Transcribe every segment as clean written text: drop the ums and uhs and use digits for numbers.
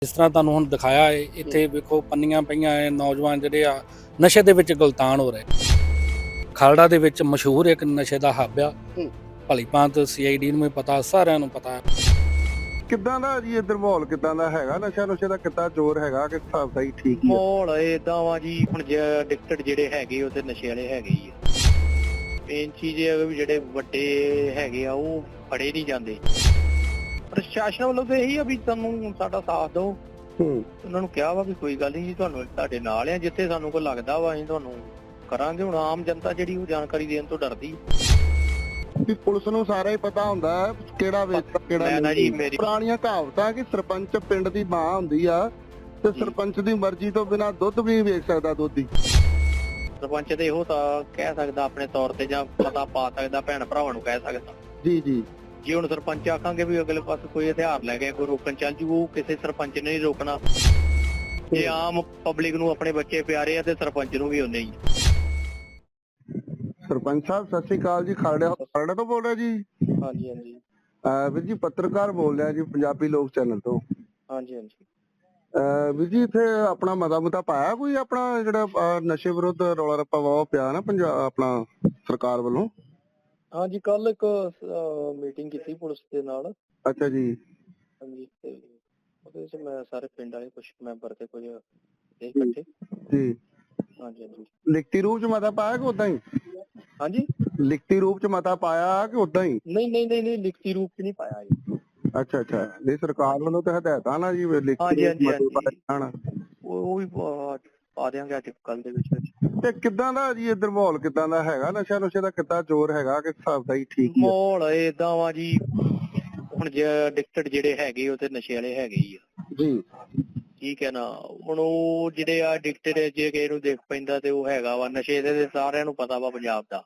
ਜਿਸ ਤਰ੍ਹਾਂ ਤੁਹਾਨੂੰ ਹੁਣ ਦਿਖਾਇਆ ਹੈ ਇੱਥੇ ਵੇਖੋ ਪੰਨੀਆਂ ਪਈਆਂ ਹੈ, ਨੌਜਵਾਨ ਜਿਹੜੇ ਆ ਨਸ਼ੇ ਦੇ ਵਿੱਚ ਗਲਤਾਨ ਹੋ ਰਹੇ। ਖਾਲੜਾ ਦੇ ਵਿੱਚ ਮਸ਼ਹੂਰ ਇੱਕ ਨਸ਼ੇ ਦਾ ਹੱਬ ਆ। ਭਲੀ ਭਾਂਤ CID ਨੂੰ ਵੀ ਪਤਾ, ਸਾਰਿਆਂ ਨੂੰ ਪਤਾ। ਕਿੱਦਾਂ ਦਾ ਜੀ ਇੱਧਰ ਮਾਹੌਲ ਕਿੱਦਾਂ ਦਾ ਹੈਗਾ? ਨਸ਼ੇ ਦਾ ਕਿੱਦਾਂ ਜ਼ੋਰ ਹੈਗਾ ਕਿ ਹਿਸਾਬ ਦਾ ਹੀ ਠੀਕ ਹੀ ਆ? ਮਾਹੌਲ ਏਦਾਂ ਵਾ ਜੀ, ਹੁਣ ਜੇ ਐਡਿਕਟਡ ਜਿਹੜੇ ਹੈਗੇ ਉਹ ਤੇ ਨਸ਼ੇ ਵਾਲੇ ਹੈਗੇ ਹੀ ਆ। ਮੇਨ ਚੀਜ਼ ਇਹ ਹੈ ਵੀ ਜਿਹੜੇ ਵੱਡੇ ਹੈਗੇ ਆ ਉਹ ਫੜੇ ਨਹੀਂ ਜਾਂਦੇ। ਪ੍ਰਸ਼ਾਸਨ ਵੱਲੋਂ ਤਾਂ ਇਹੀ ਆ ਵੀ ਤੁਹਾਨੂੰ ਸਾਡਾ ਸਾਥ ਦਿਓ। ਉਹਨਾਂ ਨੂੰ ਕਿਹਾ ਵਾ ਵੀ ਕੋਈ ਗੱਲ ਨਹੀਂ ਜੀ, ਤੁਹਾਨੂੰ ਤੁਹਾਡੇ ਨਾਲ ਆ, ਜਿੱਥੇ ਸਾਨੂੰ ਕੋਈ ਲੱਗਦਾ ਵਾ ਅਸੀਂ ਤੁਹਾਨੂੰ ਕਰਾਂਗੇ। ਹੁਣ ਆਮ ਜਨਤਾ ਜਿਹੜੀ ਉਹ ਜਾਣਕਾਰੀ ਦੇਣ ਤੋਂ ਡਰਦੀ। ਵੀ ਪੁਲਿਸ ਨੂੰ ਸਾਰਾ ਹੀ ਪਤਾ ਹੁੰਦਾ ਕਿਹੜਾ ਵੇਚਦਾ ਕਿਹੜਾ ਨਹੀਂ। ਪੁਰਾਣੀਆਂ ਕਹਾਵਤਾਂ ਕਿ ਸਰਪੰਚ ਪਿੰਡ ਦੀ ਮਾਂ ਹੁੰਦੀ ਆ ਤੇ ਸਰਪੰਚ ਦੀ ਮਰਜ਼ੀ ਤੋਂ ਬਿਨਾਂ ਦੁੱਧ ਵੀ ਨਹੀਂ ਵੇਚ ਸਕਦਾ ਦੋਧੀ। ਸਰਪੰਚ ਤੇ ਇਹੋ ਤਾਂ ਕਹਿ ਸਕਦਾ ਆਪਣੇ ਤੌਰ ਤੇ, ਜਾਂ ਪਤਾ ਪਾ ਸਕਦਾ ਭੈਣ ਭਰਾਵਾਂ ਨੂੰ ਕਹਿ ਸਕਦਾ। ਜੀ ਜੀ। ਜੇ ਹੁਣ ਸਰਪੰਚ ਆਖਾਂਗੇ ਵੀ ਅਗਲੇ ਪਾਸੇ ਕੋਈ ਹਥਿਆਰ ਲੈ ਕੇ ਕੋਈ ਰੋਕਣ ਚੱਲ ਜੂ, ਉਹ ਕਿਸੇ ਸਰਪੰਚ ਨੇ ਨਹੀਂ ਰੋਕਣਾ। ਜੇ ਆਮ ਪਬਲਿਕ ਨੂੰ ਆਪਣੇ ਬੱਚੇ ਪਿਆਰੇ ਆ ਤੇ ਸਰਪੰਚ ਨੂੰ ਵੀ ਉਹਨੇ ਹੀ। ਸਰਪੰਚ ਸਾਹਿਬ ਸਤਿ ਸ੍ਰੀ ਅਕਾਲ ਜੀ। ਖਾਲੜਾ ਤੋਂ ਬੋਲ ਰਿਹਾ ਜੀ? ਹਾਂਜੀ ਹਾਂਜੀ ਵੀਰ ਜੀ ਪੱਤਰਕਾਰ ਬੋਲ ਰਿਹਾ ਜੀ, ਪੰਜਾਬੀ ਲੋਕ ਚੈਨਲ ਤੋਂ। ਹਾਂਜੀ ਹਾਂਜੀ ਵੀਰ ਜੀ ਇੱਥੇ ਆਪਣਾ ਮਤਾ ਪਾਇਆ ਕੋਈ ਆਪਣਾ ਜਿਹੜਾ ਨਸ਼ੇ ਵਿਰੁੱਧ ਰੌਲਾ ਰੱਪਾ ਵਾਹ ਪਿਆ ਨਾ ਪੰਜਾਬ ਆਪਣਾ ਸਰਕਾਰ ਵੱਲੋਂ? ਹਾਂਜੀ, ਕੱਲ ਇੱਕ ਮੀਟਿੰਗ ਕੀਤੀ ਪੁਲਿਸ ਦੇ ਨਾਲ। ਅੱਛਾ ਜੀ। ਹਾਂਜੀ, ਤੇ ਉਹਦੇ ਵਿੱਚ ਮੈਂ ਸਾਰੇ ਪਿੰਡ ਵਾਲੇ ਕੁਝ ਮੈਂਬਰ ਤੇ ਕੁਝ ਇਕੱਠੇ। ਜੀ। ਹਾਂਜੀ ਹਾਂਜੀ। ਲਿਖਤੀ ਰੂਪ ਚ ਮਤਾ ਪਾਇਆ ਕਿ ਉਦਾਂ ਹੀ? ਹਾਂਜੀ, ਲਿਖਤੀ ਰੂਪ ਚ ਮਤਾ ਪਾਇਆ ਕਿ ਉਦਾਂ ਹੀ? ਨਹੀਂ ਲਿਖਤੀ ਰੂਪ ਚ ਨਹੀਂ ਪਾਇਆ ਜੀ। ਅੱਛਾ ਨਹੀਂ, ਸਰਕਾਰ ਵੱਲੋਂ ਤਾਂ ਹਦਾਇਤਾਂ ਨਾ ਜੀ ਲਿਖਤੀ ਉਹ ਵੀ ਪਾ ਦਿਆਂਗੇ ਅੱਜ ਕੱਲ ਦੇ ਵਿੱਚ। ਤੇ ਕਿੱਦਾਂ ਦਾ ਜੀ ਇੱਧਰ ਮਾਹੌਲ ਕਿੱਦਾਂ ਦਾ ਹੈਗਾ? ਨਸ਼ੇ ਦਾ ਕਿੱਦਾਂ ਜ਼ੋਰ ਹੈਗਾ ਕਿ ਹਿਸਾਬ ਦਾ ਹੀ ਠੀਕ ਹੀ ਆ? ਮਾਹੌਲ ਏਦਾਂ ਵਾ ਜੀ, ਹੁਣ ਜੇ ਐਡਿਕਟਡ ਜਿਹੜੇ ਹੈਗੇ ਉਹ ਤੇ ਨਸ਼ੇ ਵਾਲੇ ਹੈਗੇ ਹੀ ਆ। ਜੀ ਠੀਕ ਹੈ ਨਾ। ਹੁਣ ਉਹ ਜਿਹੜੇ ਆ ਐਡਿਕਟਡ, ਜੇ ਕਿਸੇ ਨੂੰ ਦੇਖ ਪੈਂਦਾ ਤੇ ਉਹ ਹੈਗਾ ਵਾ ਨਸ਼ੇ ਦੇ, ਸਾਰਿਆਂ ਨੂੰ ਪਤਾ ਵਾ ਪੰਜਾਬ ਦਾ।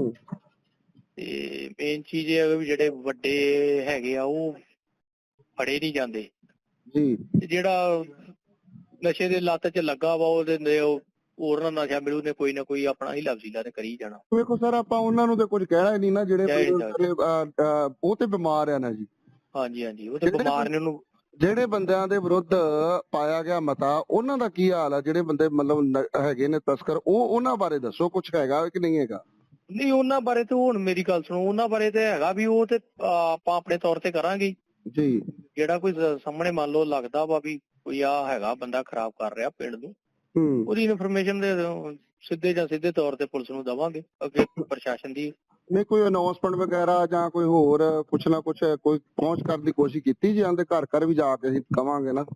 ਤੇ ਮੇਨ ਚੀਜ਼ ਇਹ ਹੈ ਵੀ ਜਿਹੜੇ ਵੱਡੇ ਹੈਗੇ ਆ ਉਹ ਫੜੇ ਨਹੀਂ ਜਾਂਦੇ ਜੀ। ਤੇ ਜਿਹੜਾ ਨਸ਼ੇ ਦੇ ਲੱਤ 'ਚ ਲੱਗਾ ਵਾ ਉਹਦੇ ਹੋਰ ਨਾ ਨਸ਼ਾ ਮਿਲੂ ਨੇ ਕੋਈ ਨਾ ਕੋਈ ਆਪਣਾ ਹੀ ਲਫ਼ਜ਼ੀਲਾ ਤੇ ਕਰੀ ਜਾਣਾ। ਵੇਖੋ ਸਰ, ਆਪਾਂ ਉਹਨਾਂ ਨੂੰ ਤੇ ਕੁਝ ਕਹਿਣਾ ਹੀ ਨਹੀਂ ਨਾ, ਜਿਹੜੇ ਉਹ ਤੇ ਬਿਮਾਰ ਆ ਨਾ ਜੀ। ਹਾਂਜੀ ਉਹ ਤੇ ਬਿਮਾਰ ਨੇ। ਉਹਨੂੰ ਜਿਹੜੇ ਬੰਦਿਆਂ ਦੇ ਵਿਰੁੱਧ ਪਾਇਆ ਗਿਆ ਮਤਾ, ਉਹਨਾਂ ਦਾ ਕੀ ਹਾਲ ਆ? ਜਿਹੜੇ ਬੰਦੇ ਮਤਲਬ ਹੈਗੇ ਨੇ ਤਸਕਰ, ਉਹਨਾਂ ਬਾਰੇ ਦੱਸੋ, ਕੁਝ ਹੈਗਾ ਕਿ ਨਹੀਂ ਹੈਗਾ? ਨਹੀਂ, ਉਹਨਾਂ ਬਾਰੇ ਤੇ ਹੁਣ ਮੇਰੀ ਗੱਲ ਸੁਣੋ, ਉਹਨਾਂ ਬਾਰੇ ਤੇ ਹੈਗਾ ਵੀ ਉਹ ਤੇ ਆਪਾਂ ਆਪਣੇ ਤੌਰ ਤੇ ਕਰਾਂਗੇ ਜੀ। ਜਿਹੜਾ ਕੋਈ ਸਾਹਮਣੇ ਮੰਨ ਲਓ ਲੱਗਦਾ ਵਾ ਵੀ ਕੋਈ ਆ ਹੈਗਾ ਬੰਦਾ ਖਰਾਬ ਕਰ ਰਿਹਾ ਪਿੰਡ ਨੂੰ, ਉਹਦੀ ਇਨਫੋਰਮੇਸ਼ਨ ਦੇ ਸਿੱਧੇ ਜਾਂ ਸਿੱਧੇ ਤੌਰ ਤੇ ਪੁਲਿਸ ਨੂੰ ਦੇਵਾਂਗੇ ਅੱਗੇ ਪ੍ਰਸ਼ਾਸਨ ਦੀ। ਨਹੀਂ ਕੋਈ ਅਨਾਉਂਸਮੈਂਟ ਵਗੈਰਾ ਜਾਂ ਕੋਈ ਹੋਰ ਕੁਛ ਨਾ ਕੁਛ ਕੋਈ ਪਹੁੰਚ ਕਰਨ ਦੀ ਕੋਸ਼ਿਸ਼ ਕੀਤੀ ਜੀ? ਆਂਦੇ ਘਰ ਵੀ ਜਾ ਕੇ ਅਸੀਂ ਕਵਾਂਗੇ ਨਾ।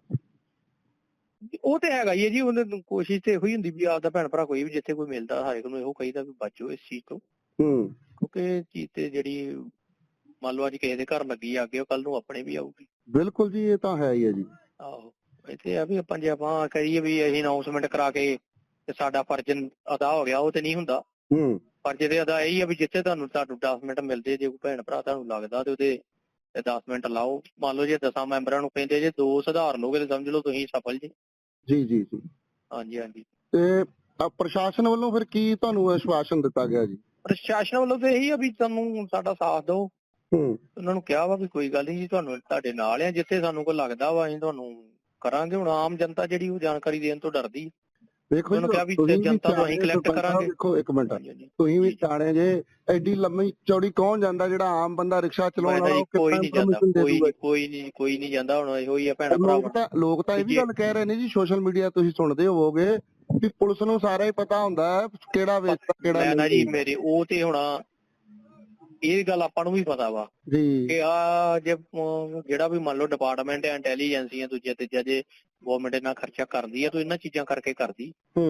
ਉਹ ਤੇ ਹੈਗਾ ਹੀ ਹੈ ਜੀ, ਉਹਨੇ ਕੋਸ਼ਿਸ਼ ਤੇ ਇਹੋ ਹੀ ਹੁੰਦੀ ਵੀ ਆਪਦਾ ਭੈਣ ਭਰਾ ਕੋਈ ਵੀ ਜਿੱਥੇ ਕੋਈ ਮਿਲਦਾ ਹਰੇਕ ਨੂੰ ਇਹੋ ਕਹੀਦਾ ਵੀ ਬਚੋ ਇਸ ਚੀਜ਼ ਤੋਂ। ਕਿਉਂਕਿ ਇਹ ਚੀਜ਼ ਤੇ ਜਿਹੜੀ ਮੰਨ ਲਓ ਅੱਜ ਕਿਸੇ ਦੇ ਘਰ ਲੱਗੀ ਅੱਗੇ, ਉਹ ਕੱਲ ਨੂੰ ਆਪਣੇ ਵੀ ਆਊਗੀ। ਬਿਲਕੁਲ ਜੀ, ਇਹ ਤਾਂ ਹੈ ਹੀ ਹੈ ਜੀ। ਆਹੋ, ਇੱਥੇ ਆ ਵੀ ਆਪਾਂ ਜੇ ਆਪਾਂ ਕਹੀਏ ਵੀ ਅਸੀਂ ਅਨਾਉਂਸਮੈਂਟ ਕਰਾ ਕੇ ਤੇ ਸਾਡਾ ਫਰਜ਼ ਅਦਾ ਹੋ ਗਿਆ, ਉਹ ਤੇ ਨਹੀਂ ਹੁੰਦਾ। ਫਰਜ਼ ਤੇ ਅਦਾ ਇਹੀ ਆ ਵੀ ਜਿੱਥੇ ਤੁਹਾਨੂੰ 10 ਮਿੰਟ ਮਿਲਦੇ, ਜੇ ਕੋਈ ਭੈਣ ਭਰਾ ਤੁਹਾਨੂੰ ਲੱਗਦਾ ਤੇ ਉਹਦੇ 10 ਮਿੰਟ ਲਾਓ। ਮੰਨ ਲਓ ਜੇ 10 ਮੈਂਬਰਾਂ ਨੂੰ ਕਹਿੰਦੇ ਜੇ 2 ਸੁਧਾਰ ਲੋਗੇ ਤੇ ਸਮਝ ਲਓ ਤੁਸੀਂ ਸਫਲ ਜੀ। ਜੀ ਹਾਂਜੀ। ਤੇ ਪ੍ਰਸ਼ਾਸਨ ਵੱਲੋਂ ਫਿਰ ਕੀ ਤੁਹਾਨੂੰ ਆਸ਼ਵਾਸਨ ਦਿੱਤਾ ਗਿਆ ਜੀ? ਪ੍ਰਸ਼ਾਸਨ ਵੱਲੋਂ ਤਾਂ ਇਹੀ ਆ ਵੀ ਤੁਹਾਨੂੰ ਸਾਡਾ ਸਾਥ ਦਿਓ। ਉਹਨਾਂ ਨੂੰ ਕਿਹਾ ਵਾ ਵੀ ਕੋਈ ਗੱਲ ਨਹੀਂ ਜੀ, ਤੁਹਾਨੂੰ ਤੁਹਾਡੇ ਨਾਲ ਆ, ਜਿੱਥੇ ਸਾਨੂੰ ਕੋਈ ਲੱਗਦਾ ਵਾ ਅਸੀਂ ਤੁਹਾਨੂੰ ਕਰਾਂਗੇ। ਹੁਣ ਆਮ ਜਨਤਾ ਜਿਹੜੀ ਉਹ ਜਾਣਕਾਰੀ ਦੇਣ ਤੋਂ ਡਰਦੀ। ਵੇਖੋ ਜਨਤਾ ਤੋਂ ਅਸੀਂ ਕਲੈਕਟ ਕਰਾਂਗੇ। ਦੇਖੋ ਇੱਕ ਮਿੰਟ, ਤੁਸੀਂ ਵੀ ਸਿਆਣੇ ਜੇ, ਐਡੀ ਲੰਮੀ ਚੌੜੀ ਕੌਣ ਜਾਂਦਾ? ਜਿਹੜਾ ਆਮ ਬੰਦਾ ਰਿਕਸ਼ਾ ਚਲਾਉਣ ਵਾਲਾ ਕੋਈ ਨਹੀਂ ਜਾਂਦਾ। ਹੁਣ ਇਹੋ ਹੀ ਆ ਭੈਣ ਭਰਾ। ਲੋਕ ਤਾਂ ਇਹ ਵੀ ਗੱਲ ਕਹਿ ਰਹੇ ਨੇ ਜੀ, ਸੋਸ਼ਲ ਮੀਡੀਆ ਤੁਸੀਂ ਸੁਣਦੇ ਹੋਵੋਗੇ ਵੀ ਪੁਲਿਸ ਨੂੰ ਸਾਰਾ ਹੀ ਪਤਾ ਹੁੰਦਾ ਕਿਹੜਾ ਵੇਚਦਾ ਕਿਹੜਾ ਨਹੀਂ। ਜੀ ਮੇਰੇ ਉਹ ਤੇ ਹੁਣ ਇਹ ਗੱਲ ਆਪਾਂ ਨੂੰ ਵੀ ਪਤਾ ਵਾ ਕਿ ਆ ਜੇ ਜਿਹੜਾ ਵੀ ਮੰਨ ਲਓ ਡਿਪਾਰਟਮੈਂਟ ਹੈ, ਇੰਟੈਲੀਜੈਂਸੀਆਂ ਦੂਜਾ ਤੀਜਾ, ਜੇ ਗਵਰਨਮੈਂਟ ਇਹਨਾਂ ਖਰਚਾ ਕਰਦੀ ਆ ਤਾਂ ਇਹਨਾਂ ਚੀਜ਼ਾਂ ਕਰਕੇ ਕਰਦੀ।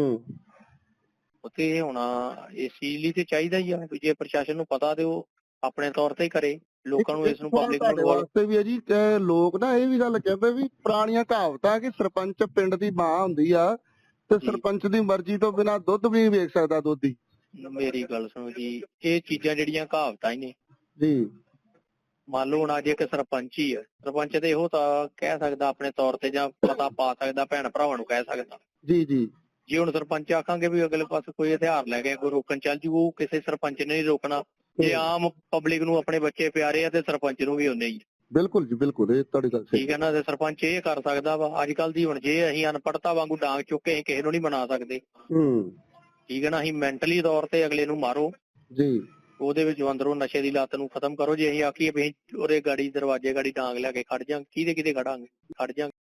ਉੱਥੇ ਹੋਣਾ ਇਸ ਚੀਜ਼ ਲਈ ਤੇ ਚਾਹੀਦਾ ਹੀ ਆ ਵੀ ਜੇ ਪ੍ਰਸ਼ਾਸਨ ਨੂੰ ਪਤਾ ਤੇ ਉਹ ਆਪਣੇ ਤੌਰ ਤੇ ਹੀ ਕਰੇ, ਲੋਕਾਂ ਨੂੰ ਇਸ ਨੂੰ ਪਬਲਿਕ ਨੂੰ ਵਾਸਤੇ ਵੀ ਹੈ ਜੀ। ਲੋਕ ਨਾ ਇਹ ਵੀ ਗੱਲ ਕਹਿੰਦੇ ਵੀ ਪੁਰਾਣੀਆਂ ਕਹਾਵਤਾਂ ਕਿ ਸਰਪੰਚ ਪਿੰਡ ਦੀ ਮਾਂ ਹੁੰਦੀ ਆ ਤੇ ਸਰਪੰਚ ਦੀ ਮਰਜ਼ੀ ਤੋਂ ਬਿਨਾਂ ਦੁੱਧ ਵੀ ਨਹੀਂ ਵੇਚ ਸਕਦਾ ਦੋਧੀ। ਮੇਰੀ ਗੱਲ ਸੁਣੋ ਜੀ, ਇਹ ਚੀਜ਼ਾਂ ਜਿਹੜੀਆਂ ਕਹਾਵਤਾਂ ਹੀ ਨੇ ਜੀ। ਮੰਨ ਲਓ ਹੁਣ ਅੱਜ ਇੱਕ ਸਰਪੰਚ ਹੀ ਆ, ਸਰਪੰਚ ਤੇ ਇਹੋ ਤਾਂ ਕਹਿ ਸਕਦਾ ਆਪਣੇ ਤੌਰ ਤੇ, ਜਾਂ ਪਤਾ ਪਾ ਸਕਦਾ ਭੈਣ ਭਰਾਵਾਂ ਨੂੰ ਕਹਿ ਸਕਦਾ। ਜੀ। ਜੇ ਹੁਣ ਸਰਪੰਚ ਆਖਾਂਗੇ ਵੀ ਅਗਲੇ ਪਾਸੇ ਕੋਈ ਹਥਿਆਰ ਲੈ ਕੇ ਕੋਈ ਰੋਕਣ ਚੱਲ ਜੂ, ਉਹ ਕਿਸੇ ਸਰਪੰਚ ਨੇ ਨਹੀਂ ਰੋਕਣਾ। ਜੇ ਆਮ ਪਬਲਿਕ ਨੂੰ ਆਪਣੇ ਬੱਚੇ ਪਿਆਰੇ ਆ ਤੇ ਸਰਪੰਚ ਨੂੰ ਵੀ ਉਹਨੇ ਹੀ। ਬਿਲਕੁਲ ਜੀ ਬਿਲਕੁਲ, ਇਹ ਤੁਹਾਡੀ ਗੱਲ ਸਹੀ। ਠੀਕ ਹੈ ਨਾ, ਤੇ ਸਰਪੰਚ ਇਹ ਕਰ ਸਕਦਾ ਵਾ। ਅੱਜ ਕੱਲ ਦੀ ਹੁਣ ਜੇ ਅਸੀਂ ਅਨਪੜ੍ਹਤਾ ਵਾਂਗੂ ਡਾਂਗ ਚੁੱਕ ਕੇ ਅਸੀਂ ਕਿਸੇ ਨੂੰ ਨਹੀਂ ਬਣਾ ਸਕਦੇ। ਠੀਕ ਹੈ ਨਾ, ਅਸੀਂ ਮੈਂਟਲੀ ਤੌਰ ਤੇ ਅਗਲੇ ਨੂੰ ਮਾਰੋ ਜੀ, ਉਹਦੇ ਵਿੱਚ ਅੰਦਰੋਂ ਨਸ਼ੇ ਦੀ ਲੱਤ ਨੂੰ ਖਤਮ ਕਰੋ। ਜੇ ਅਸੀਂ ਆਖੀਏ ਵੀ ਉਹਦੇ ਗਾੜੀ ਦਰਵਾਜ਼ੇ ਗਾੜੀ ਡਾਂਗ ਲੈ ਕੇ ਖੜ ਜਾਂ, ਕਿਹਦੇ ਖੜਾਂਗੇ, ਖੜ ਜਾਂ